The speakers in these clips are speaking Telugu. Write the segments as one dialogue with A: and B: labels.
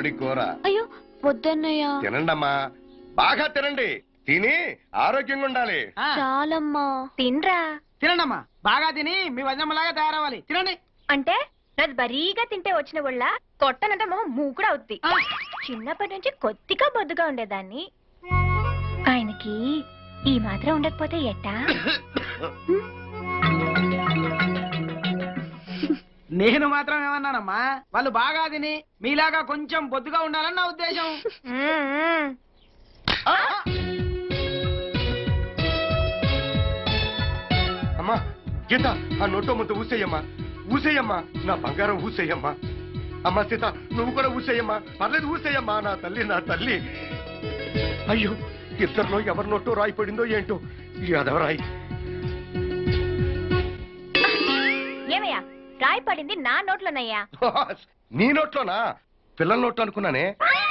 A: కోడి కూర.
B: అయ్యో వద్దన్నయ్య.
A: తినండమ్మా, బాగా తినండి. తిని ఆరోగ్యంగా ఉండాలి.
B: చాలమ్మా. తినరా.
C: తినండమ్మా, బాగా తిని మీ వజనమ్మలాగా తయారవ్వాలి. తినండి.
B: అంటే నాది బరీగా తింటే వచ్చిన వాళ్ళ కొట్టనంటే మొహం మూకుడు అవుద్ది. చిన్నప్పటి నుంచి కొద్దిగా బొద్దుగా ఉండేదాన్ని. ఆయనకి ఈ మాత్రం ఉండకపోతే ఎట్టా?
C: నేను మాత్రం ఏమన్నానమ్మా, వాళ్ళు బాగా తిని మీలాగా కొంచెం బొద్దుగా ఉండాలని నా ఉద్దేశం.
A: అమ్మా గీత, ఆ నోటో ముద్ద ఊసేయమ్మా, ఊసేయమ్మా, నా బంగారం ఊసేయమ్మా. అమ్మా సీత, నువ్వు కూడా ఊసేయమ్మా, పర్లేదు ఊసేయమ్మా. నా తల్లి, నా తల్లి. అయ్యో, ఇద్దరిలో ఎవరి నోటో రాయి పడిందో ఏంటో. ఈ అదవరాయి.
B: ఏమయ్యా, రాయి పడింది నా నోట్లోనయ్యా.
A: నీ నోట్లోనా? పిల్లల నోట్లో అనుకున్నానే.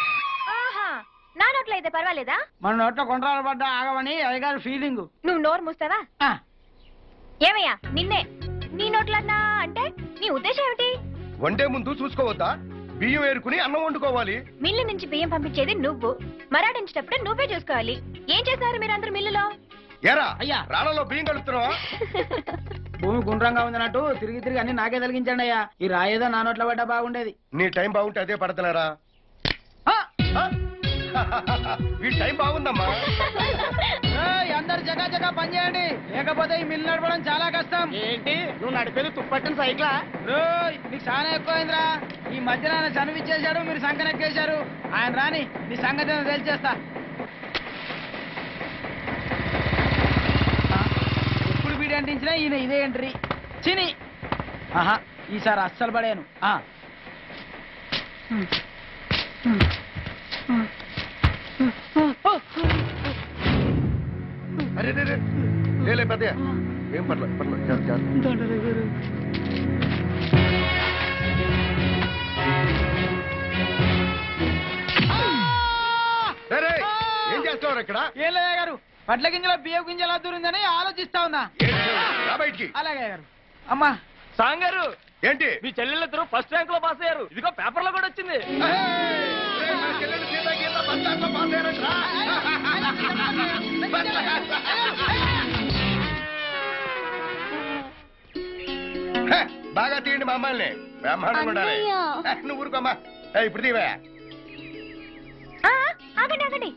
B: నా నోట్లో అయితే పర్వాలేదా?
C: మన నోట్లో కొండరాలు పడ్డా ఆగమని అయ్యగారి ఫీలింగ్.
B: నువ్వు నోరు మూస్తావా? ఏమయ్యా, నిన్నే నీ నోట్లన్నా అంటే నీ ఉద్దేశం ఏమిటి?
A: వండే ముందు చూసుకోవద్దా? బియ్యం ఏరుకుని అన్నం వండుకోవాలి.
B: మిల్లు నుంచి బియ్యం పంపించేది నువ్వు, మరాడించేటప్పుడు నువ్వే చూసుకోవాలి. ఏం చేశారు మీరందరూ మిల్లులో?
A: ఏరా
C: అయ్యా,
A: రాళ్ళలో బియ్యం కలుపుతున్నావా?
C: భూమి గుండ్రంగా ఉందన్నట్టు తిరిగి తిరిగి అన్ని నాకే తొలగించండి అయ్యా. ఈ రాయేదో నా నోట్లో పడ్డా బాగుండేది.
A: నీ టైం బాగుంటే అదే పడతలేరా? ఈ టైం బాగుందమ్మా.
C: అందరు జగా జగా పని చేయండి, లేకపోతే ఈ మిల్లు నడపడం చాలా కష్టం. ఏంటి నువ్వు నడిపేది తుప్పట్టిన సైకిలా? నీకు చాలా ఎక్కువైందిరా. ఈ మధ్యన ఆయన చనివిచ్చేశాడు, మీరు సంకనెక్కేశారు. ఆయన రాని నీ సంగతి ఏదో తెలిచేస్తా. ఎప్పుడు వీడి అంటించినా ఈయన ఇదే ఎంట్రీ. చిని ఆహా, ఈసారి అస్సలు పడాను.
A: అరే లేలే పెద్దయ్య, ఏం పర్లేదు పర్లేదు. ఏం చేస్తావు ఇక్కడ?
C: ఏం లేదా గారు, పట్ల గింజల బియ్యం గింజల దూరిందని ఆలోచిస్తా ఉన్నా.
A: బయటికి.
C: అలాగే గారు. అమ్మా
D: సాంగారు,
A: ఏంటి?
D: మీ చెల్లెళ్ళిద్దరూ ఫస్ట్ ర్యాంక్ లో పాస్ అయ్యారు. ఇదిగో పేపర్ లో కూడా వచ్చింది.
A: బాగా తీయండి మా అమ్మాయిని. బ్రహ్మాండంగా ఉండాలి. నువ్వు ఊరుకోమ్మా. ఇప్పుడు తీవా.
B: ఆగండి ఆగండి,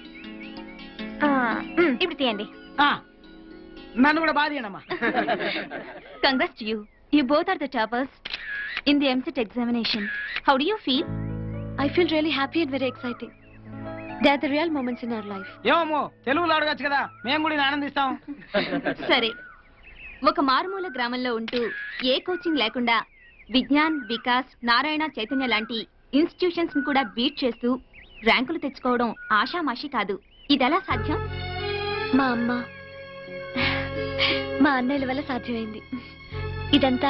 B: ఇప్పుడు తీయండి.
C: నన్ను కూడా బాగా తీయండి అమ్మా.
B: Congrats to you. You both are the toppers in the MCET examination. How do you feel? I feel really happy and very exciting. They are the real moments in our life.
C: ఏమో తెలుగులో అడగచ్చు కదా, మేము కూడా ఆనందిస్తాం.
B: సరే, ఒక మారుమూల గ్రామంలో ఉంటూ ఏ కోచింగ్ లేకుండా విజ్ఞాన్, వికాస్, నారాయణ, చైతన్య లాంటి ఇన్స్టిట్యూషన్స్ ని కూడా బీట్ చేస్తూ ర్యాంకులు తెచ్చుకోవడం ఆషామాషి కాదు. ఇదెలా సాధ్యం? మా అమ్మ, మా అన్నయ్యల వల్ల సాధ్యమైంది. ఇదంతా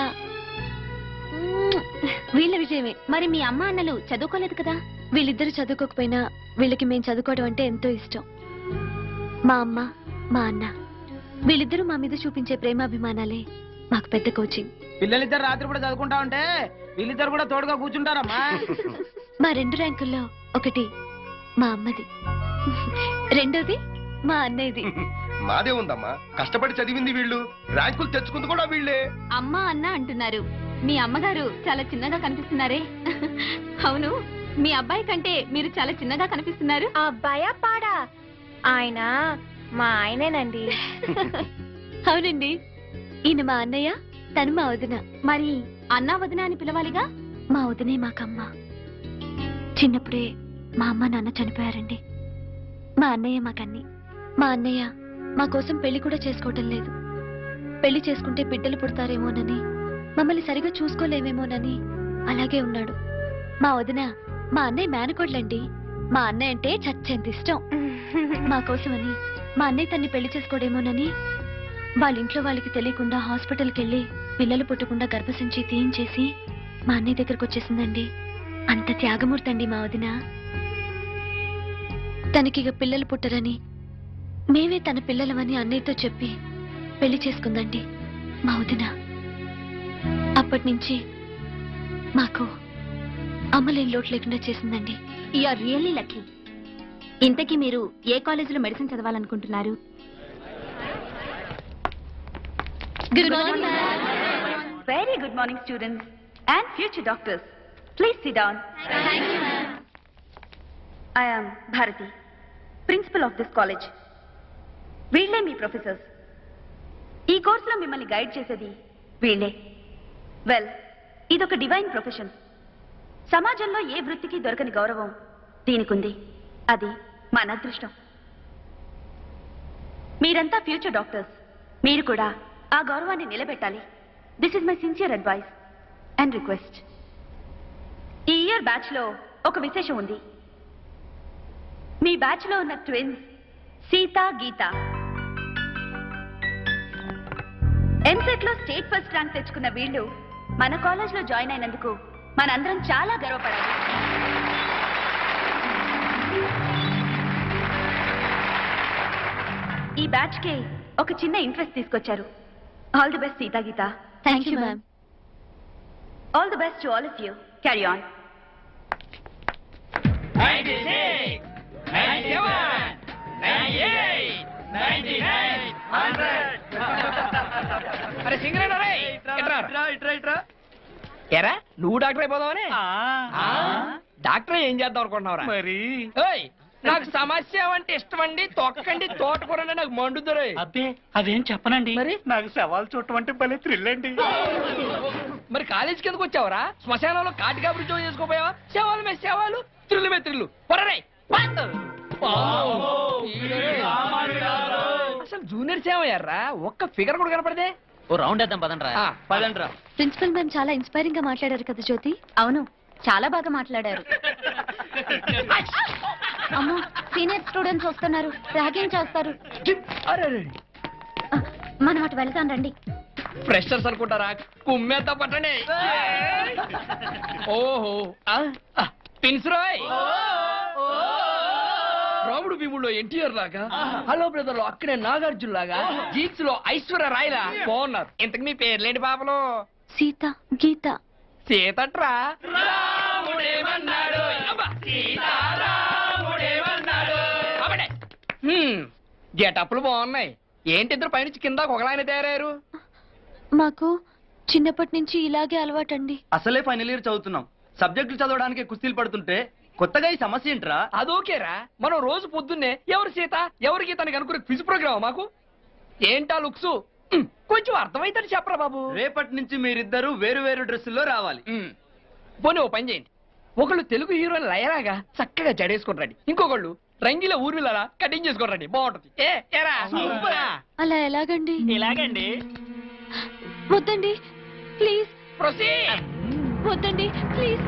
B: వీళ్ళ విజయమే. మరి మీ అమ్మ అన్నలు చదువుకోలేదు కదా? వీళ్ళిద్దరూ చదువుకోకపోయినా వీళ్ళకి మేము చదువుకోవడం అంటే ఎంతో ఇష్టం. మా అమ్మ, మా అన్న వీళ్ళిద్దరూ మా మీద చూపించే ప్రేమాభిమానాలే మాకు పెద్ద కోచింగ్.
C: పిల్లలిద్దరు రాత్రి కూడా చదువుకుంటా ఉంటే వీళ్ళిద్దరు కూడా తోడుగా కూర్చుంటారమ్మా.
B: మా 2 ర్యాంకుల్లో ఒకటి మా అమ్మది, రెండోది మా అన్నయ్యది.
A: మాదే ఉందమ్మా, కష్టపడి చదివింది వీళ్ళు, ర్యాంకులు తెచ్చుకుంది కూడా వీళ్ళే.
B: అమ్మ అన్న అంటున్నారు, మీ అమ్మగారు చాలా చిన్నగా కనిపిస్తున్నారే. అవును, మీ అబ్బాయి కంటే మీరు చాలా చిన్నగా కనిపిస్తున్నారు. అబ్బాయా పాడా? ఆయన మా ఆయనేనండి. అవునండి, ఈయన మా అన్నయ్య, తను మా వదిన. మరి అన్న వదిన అని పిలవాలిగా. మా వదినే మాకమ్మ. చిన్నప్పుడే మా అమ్మ నాన్న చనిపోయారండి. మా అన్నయ్య మాకన్ని. మా అన్నయ్య మా కోసం పెళ్లి కూడా చేసుకోవటం లేదు. పెళ్లి చేసుకుంటే బిడ్డలు పుడతారేమోనని, మమ్మల్ని సరిగా చూసుకోలేమేమోనని అలాగే ఉన్నాడు. మా వదిన మా అన్నయ్య మేనకోడ్లండి. మా అన్నయ్య అంటే చచ్చేంత ఇష్టం. మా కోసమని మా అన్నయ్య తన్ని పెళ్లి చేసుకోడేమోనని వాళ్ళ ఇంట్లో వాళ్ళకి తెలియకుండా హాస్పిటల్కి వెళ్ళి పిల్లలు పుట్టకుండా గర్భసంచి తీయించేసి మా అన్నయ్య దగ్గరకు వచ్చేసిందండి. అంత త్యాగమూర్తి అండి మా వదిన. తనకిగ పిల్లలు పుట్టరని మేమే తన పిల్లలమని అన్నయ్యతో చెప్పి పెళ్లి చేసుకుందండి మా వదిన. అప్పటి నుంచి మాకు అమ్మ లేని లోటు లేకుండా చేసిందండి. You're really lucky. ఇంతకీ మీరు ఏ కాలేజీలో మెడిసిన్ చదవాలనుకుంటున్నారు? Good morning.
E: Very good morning, students and future doctors. Please sit down.
B: Thank you ma'am.
E: I am Bharati, principal of this college. వీళ్ళే మీ ప్రొఫెసర్స్. ఈ కోర్సులో మిమ్మల్ని గైడ్ చేసేది వీళ్ళే. వెల్, ఇదొక డివైన్ ప్రొఫెషన్. సమాజంలో ఏ వృత్తికి దొరకని గౌరవం దీనికుంది. అది మన అదృష్టం. మీరంతా ఫ్యూచర్ డాక్టర్స్. మీరు కూడా ఆ గౌరవాన్ని నిలబెట్టాలి. This is my sincere advice and request. ఈ ఇయర్ బ్యాచ్ లో ఒక విశేషం ఉంది. మీ బ్యాచ్ లో ఉన్న ట్విన్స్ సీత, గీత ఎంసెట్ లో స్టేట్ ఫస్ట్ ర్యాంక్ తెచ్చుకున్న వీళ్ళు మన కాలేజ్ లో జాయిన్ అయినందుకు మనందరం చాలా గర్వపడాలి. ఈ బ్యాచ్ కి ఒక చిన్న ఇంట్రెస్ట్ తీసుకొచ్చారు. All the best Seetha, Geetha.
B: Thank you ma'am.
E: All the best to all of you. Carry on.
D: 96, 97, 98, 99, 100. అరే సింగరేనా రే ఇట్రా ఎరా నువ్వు డాక్టర్ అయిపోదావని డాక్టర్ ఏం చేద్దాం అనుకుంటున్నావురా
A: మరి
D: ఓయ్ నాకు సమస్య అంటే ఇష్టం అండి తొక్కండి తోటకూరండి నాకు మండుద్దరే
C: అబ్బే అదేం చెప్పనండి.
D: మరి
A: నాకు సవాల్ చూడటం అంటే భలే థ్రిల్ అండి.
D: మరి కాలేజీకి ఎందుకు వచ్చావురా శ్మశానంలో కాటికా ఉద్యోగం చేసుకోపోయావా శవాలు మే శవాలు త్రిల్లు మే త్రిల్లు పొరరే అసలు జూనియర్ సేవయ్యారా ఒక్క ఫిగర్ కూడా కనపడదే
C: ఓ రౌండ్ వేద్దాం పదండ్రా.
D: పదండ్రా
B: ప్రిన్సిపల్ మ్యామ్ చాలా ఇన్స్పైరింగ్ గా మాట్లాడారు కదా జ్యోతి.
E: అవును, చాలా బాగా మాట్లాడారు.
B: అమ్మో, సీనియర్ స్టూడెంట్స్ వస్తున్నారు, ర్యాగింగ్ చేస్తారు.
D: అరే
B: మనం అటు వెళ్తాం రండి.
D: ఫ్రెషర్స్ అనుకుంటారా కుమ్మేద్దా పట్టండి ఓహో పిన్స్ రాయ్ రాముడు భీముడు ఎన్టీఆర్ లాగా హలో బ్రదర్ లో అక్కడే నాగార్జున లాగా జీన్స్ లో ఐశ్వర్య రాయ్ లా బాగున్నారు. ఇంతకు మీ పేర్లేంటి పాపలు?
B: సీత, గీత.
D: సీతట్రా రాముడేమన్నాడు సీతారాముడేమన్నాడు గెటప్లు బాగున్నాయి. ఏంటి ఇద్దరు పైనుంచి కింద ఒకలాయన తయారయ్యారు?
B: మాకు చిన్నప్పటి నుంచి ఇలాగే అలవాటండి.
C: అసలే ఫైనల్ ఇయర్ చదువుతున్నాం. సబ్జెక్టులు చదవడానికి కుస్తీలు పడుతుంటే కొత్తగా ఈ సమస్య ఏంట్రా?
D: అదోకేరా మనం రోజు పొద్దున్నే ఎవరు సీత ఎవరు గీత అని కనుక్కునే క్విజ్ ప్రోగ్రామ్ మాకు ఏంటా లుక్స్ కొంచెం అర్థమైతే చెప్పరా బాబు.
C: రేపటి నుంచి మీరిద్దరూ వేరు వేరు డ్రెస్సుల్లో రావాలి.
D: పోనీ ఓ పని చేయండి. ఒకళ్ళు తెలుగు హీరోయిన్ లయరాగా చక్కగా జడేసుకుంటారండి, ఇంకొకళ్ళు రంగిల ఊర్మిలలా కటింగ్ చేసుకోరండి, బాగుంటది. ఏరా
B: అలా ఎలాగండి?
D: ఇలాగండి.
B: వద్దండి ప్లీజ్.
D: ప్రొసీడ్.
B: వద్దండి ప్లీజ్.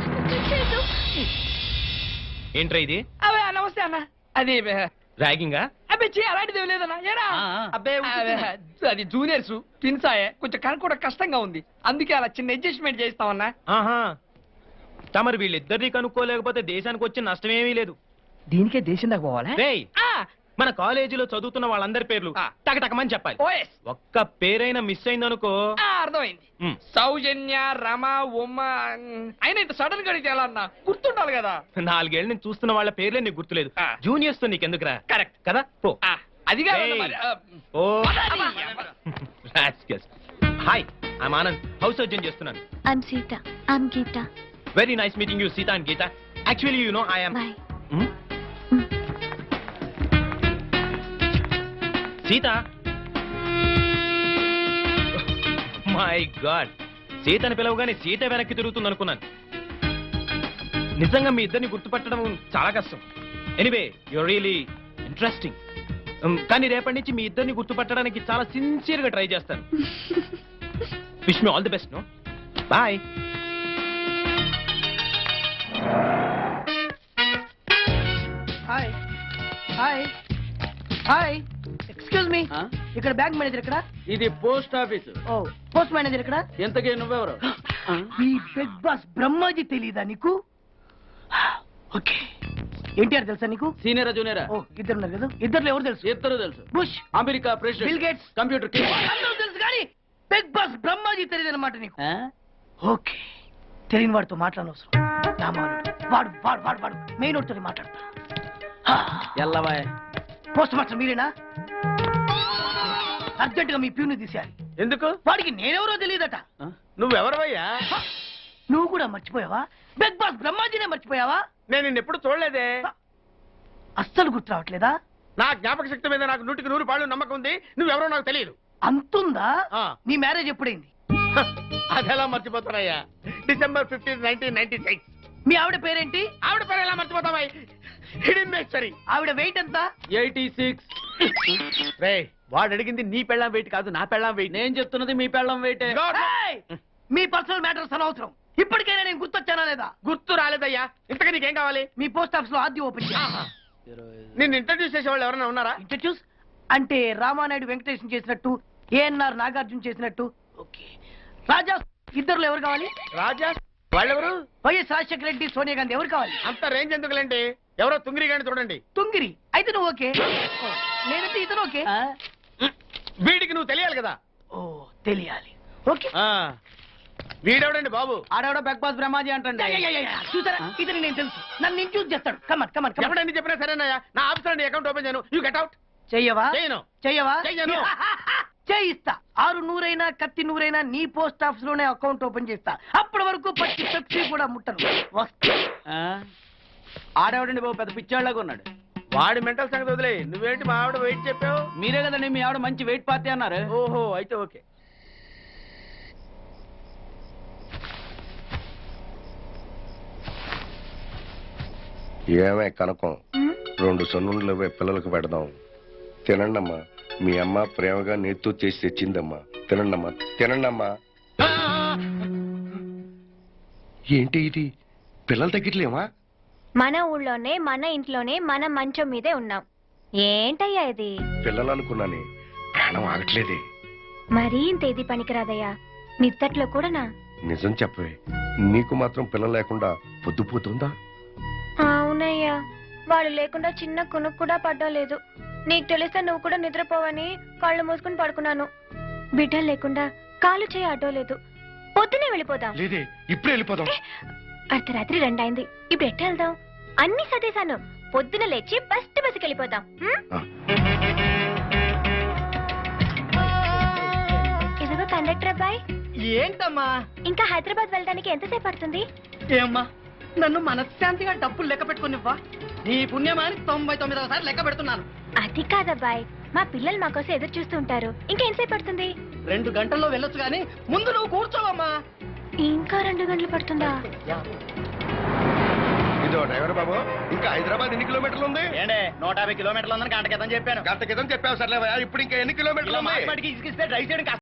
F: ఏంట్రా ఇది?
D: అవే నమస్తే అన్న. అది
F: ర్యాగింగా?
D: అబ్బే అలాంటిది ఏం లేదన్నా. ఏరా
C: అబ్బే
D: అది జూనియర్స్ ట్విన్స్ ఆయే కొంచెం కనుక్కోవడం కష్టంగా ఉంది, అందుకే అలా చిన్న అడ్జస్ట్మెంట్ చేస్తామన్నా.
F: ఆహా, తమరు వీళ్ళిద్దరిని కనుక్కోలేకపోతే దేశానికి వచ్చే నష్టమేమీ లేదు.
D: దీనికే దేశం దాకా పోవాలా?
F: రేయ్, మన కాలేజీలో చదువుతున్న వాళ్ళందరి పేర్లు టకటకమని చెప్పాలి.
D: ఓఎస్
F: ఒక్క పేరైనా మిస్ అయిందనుకో.
D: అర్థమైంది.
F: మ్.
D: సౌజన్య, రమ, ఉమ్మ అయినా ఇంత సడన్ గా అడిగితే ఎలా అన్నా గుర్తుండాలి కదా.
F: 4 ఏళ్ళు నేను చూస్తున్న వాళ్ళ పేర్లే నీకు గుర్తులేదు.
D: ఆ.
F: జూనియర్స్ తో నీకెందుకురా?
D: కరెక్ట్
F: కదా పో.
D: అది కాదు
F: Hey.
D: మరి,
F: ఓ
D: పదండి.
F: Hi, I'm Anand, house surgeon చేస్తున్నాను.
B: I'm Seetha. I'm Geetha.
F: Very nice meeting you Seetha and Geetha. Actually you know I am
B: boy.
F: Seetha. My god, సీతని పిలవగానే సీత వెనక్కి తిరుగుతుంది అనుకున్నాను. నిజంగా మీ ఇద్దరిని గుర్తుపట్టడం చాలా కష్టం. Anyway your really interesting. కానీ రేపటి నుంచి మీ ఇద్దరిని గుర్తుపట్టడానికి చాలా సిన్సియర్ గా ట్రై చేస్తాను. Wish me all the best. No boy.
C: Hi hi hi, excuse me, ఇక్కడ బ్యాంక్ మేనేజర్ ఇక్కడ?
G: ఇది post office.
C: Oh, post manager ఇక్కడ?
G: ఎంతకీ నువ్వెవరు?
C: ఈ బిగ్ బాస్ బ్రహ్మాజీ తెలీదా నీకు? ఓకే, ఎన్టీఆర్ తెలుసా నీకు?
G: సీనియర్ జూనియరా?
C: ఓ, ఇద్దరు ఉన్నారు కదా, ఇద్దరు ఎవరు తెలుసు?
G: ఇద్దరు తెలుసు.
C: Bush,
G: America
C: Bill
G: president,
C: Gates,
G: computer king.
C: అందరూ తెలుసు కానీ బిగ్ బాస్ బ్రహ్మాజీ తెలియదు అనమాట నీకు. ఓకే, తెలియని వాడితో మాట్లాడనవసరం. రామానుడు వాడు వాడు వాడు వాడు మెయిన్ తోటి మాట్లాడతా
G: ఎల్లవాయ్
C: పోస్ట్ మాస్టర్ మీరేనా అర్జెంట్ గా మీ ప్యూని తీసేయాలి.
F: ఎందుకు?
C: వాడికి నేనెవరో తెలియదట.
F: నువ్వెవరవయ్యా?
C: నువ్వు కూడా మర్చిపోయావా? బిగ్ బాస్ బ్రహ్మాజీనే మర్చిపోయావా?
F: నేను నిన్నెప్పుడు చూడలేదే.
C: అస్సలు గుర్తు రావట్లేదా?
F: నా జ్ఞాపక శక్తి మీద నాకు 100కి 100 నమ్మకం ఉంది. నువ్వెవరో నాకు తెలియదు.
C: అంతుందా?
F: ఆ.
C: నీ మ్యారేజ్ ఎప్పుడైంది?
F: అదెలా మర్చిపోతానయ్యా? December 15, 1996.
C: మీ ఆవిడ పేరేంటి?
F: ఆవిడ పేరు ఎలా మర్చిపోతావా? హిడింబేశ్వరి.
C: ఆవిడ వెయిట్ ఎంత?
G: 86.
F: రే, వాడు అడిగింది నీ పెళ్ళాం వెయిట్ కాదు, నా పెళ్ళాం వెయిట్.
G: నేను చెప్తున్నది మీ పెళ్ళం వెయిటే.
C: ఏయ్! మీ పర్సనల్ మ్యాటర్స్ అనవసరం. ఇప్పటికైనా నేను గుర్తొచ్చానా లేదా?
F: గుర్తు రాలేదయ్యా. ఇంతగా నీకేం కావాలి?
C: మీ పోస్ట్ ఆఫీస్ లో ఆద్యం ఓపెన్ చేయాలి.
F: నిన్ను ఇంట్రడ్యూస్ చేసే వాళ్ళు ఎవరైనా ఉన్నారా?
C: ఇంట్రడ్యూస్ అంటే రామానాయుడు వెంకటేశం చేసినట్టు, ఏఎన్ఆర్ నాగార్జున చేసినట్టు. ఓకే, రాజా ఇద్దరులో ఎవరు కావాలి?
F: రాజా వాళ్ళెవరు?
C: వైఎస్ రాజశేఖర రెడ్డి, సోనియా గాంధీ ఎవరు కావాలి?
F: అంత రేంజ్ ఎందుకులేండి, ఎవరో తుంగిరి గాని చూడండి.
C: తుంగిరి అయితే నువ్వు ఓకే, నేనైతే ఇతను ఓకే.
F: వీడికి నువ్వు తెలియాలి కదా.
C: ఓ తెలియాలి. ఓకే,
F: వీడెవడండి బాబు?
G: ఆడవిడ బిగ్ బాస్ బ్రహ్మాజీ అంటండి.
C: చూసారా, ఇతను నేను తెలుసు. నన్ను ఇంట్రడ్యూస్ చేస్తాడు. Come on come on come on.
F: ఎవడండి చెప్పినా సరేనయ్యా. నా ఆఫీస్ అకౌంట్ ఓపెన్ చేయను. You get out.
C: చెయ్యవా?
F: చేయను.
C: చెయ్యవా?
F: చెయ్యను.
C: చేయిస్తా. 6 నూరైనా కత్తి నూరైనా నీ పోస్ట్ ఆఫీస్ లోనే అకౌంట్ ఓపెన్ చేస్తా. అప్పటి వరకు పచ్చి పెప్సీ కూడా ముట్టను. వస్తా.
G: ఆడవిడండి బాబు పెద్ద పిచ్చాళ్ళగా ఉన్నాడు.
F: వాడి మెంటల్ సంగతి వదిలే. నువ్వేంటి మా ఆవిడ వెయిట్ చెప్పావు?
G: మీరే కదండి మీ ఆవిడ మంచి వెయిట్ పార్టీ అన్నారు.
F: ఓహో, అయితే ఓకే.
A: ఏమే కనకం, 2 సొన్నులు పిల్లలకు పెడదాం. తినండమ్మా. మీ అమ్మ ప్రేమగా నేతో చేసి తెచ్చిందమ్మా. తినండమ్మా, తినండమ్మా. ఏంటి ఇది? పిల్లలు తగ్గట్లేమా?
B: మన ఊళ్ళోనే మన ఇంట్లోనే మన మంచం మీదే ఉన్నాం. ఏంటయ్యా ఇది?
A: పిల్లలు అనుకున్నానే, ప్రాణం ఆగట్లేదే.
B: మరీ ఇంత ఇది పనికిరాదయ్యా. నిద్దట్లో కూడానా?
A: నిజం చెప్పవే, నీకు మాత్రం పిల్లలు లేకుండా పొద్దుపోతుందా?
B: అవునయ్యా, వాళ్ళు లేకుండా చిన్న కునుకు కూడా పడ్డం లేదు. నీకు తెలిస్తే నువ్వు కూడా నిద్రపోవని కళ్ళు మూసుకుని పడుకున్నాను. బిడ్డలు లేకుండా కాలు చేయి అడ్డో లేదు. పొద్దునే వెళ్ళిపోదాం.
A: లేదే, ఇప్పుడే వెళ్ళిపోదాం.
B: అర్ధరాత్రి 2 అయింది. ఇప్పుడు ఎట్ట వెళ్దాం? అన్ని సదేశాను. పొద్దున లేచి బస్కి వెళ్ళిపోదాం. ఇదిగో కండక్టర్ అబ్బాయి.
C: ఏంటమ్మా?
B: ఇంకా హైదరాబాద్ వెళ్ళడానికి ఎంతసేపు పడుతుంది?
C: ఏమ్మా, నన్ను మనశ్శాంతిగా డబ్బులు లెక్క పెట్టుకునివ్వా. నీ పుణ్యమాని 99వ సారి లెక్క పెడుతున్నాను.
B: అది కాదబ్బాయి, మా పిల్లలు మా కోసం ఎదురు చూస్తూ ఉంటారు. ఇంకా ఎంతసేపు పడుతుంది?
C: 2 గంటల్లో వెళ్ళొచ్చు గానీ ముందు నువ్వు కూర్చోవమ్మా.
B: ఇంకా 2 గంటలు పడుతుందా?
A: ఇదో డ్రైవర్ బాబు, ఇంకా హైదరాబాద్ ఎన్ని కిలోమీటర్లు ఉంది?
G: 150 కిలోమీటర్లు ఉందని గంట క్రితం చెప్పాను.
A: గంట క్రితం చెప్పావు సర్లేవా, ఇప్పుడు ఇంకా ఎన్ని కిలోమీటర్లు ఉంది?
G: డ్రైవ్ చేయడం